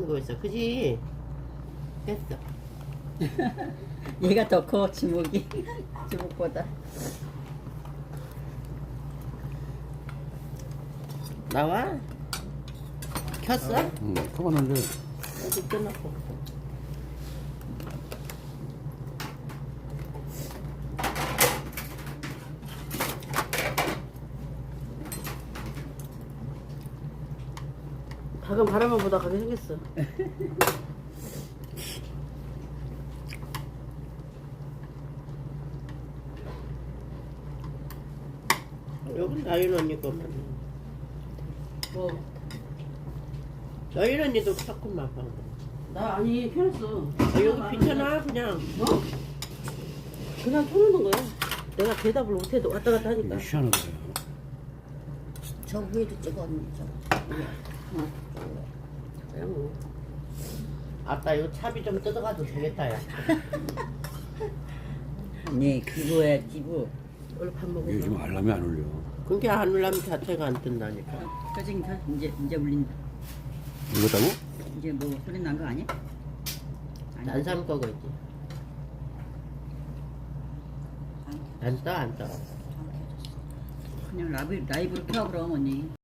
켜는 거였어. 그지? 됐어. 얘가 더 커, 주먹이. 주먹보다. 나와? 켰어? 응, 켜봤는데 어디 끊었고. 닭은 바람만 보다 가게 생겼어. 여긴 나윤 언니 거만. 뭐? 나윤 언니도 켰구만 방금. 나 아니 켜놨어. 여기 비켜놔 그냥. 어? 그냥 켜놓는 거야. 내가 대답을 못해도 왔다 갔다 하니까. 희한한 거야. 저 위에도 찍어, 언니, 저. 그냥 뭐. 아따 이거 차비 좀 뜯어가도 되겠다 야. 네, 기부야, 기부. 얼른 밥 먹어. 이게 지금 알람이 안 울려. 그게 안 울라면 자체가 안 뜬다니까. 켜지니까 이제 울린다. 울렸다고? 이제 뭐 소리 난 거 아니야? 딴 사람 거겠지. 안 떠. 그냥 라이브로 켜, 그럼, 언니.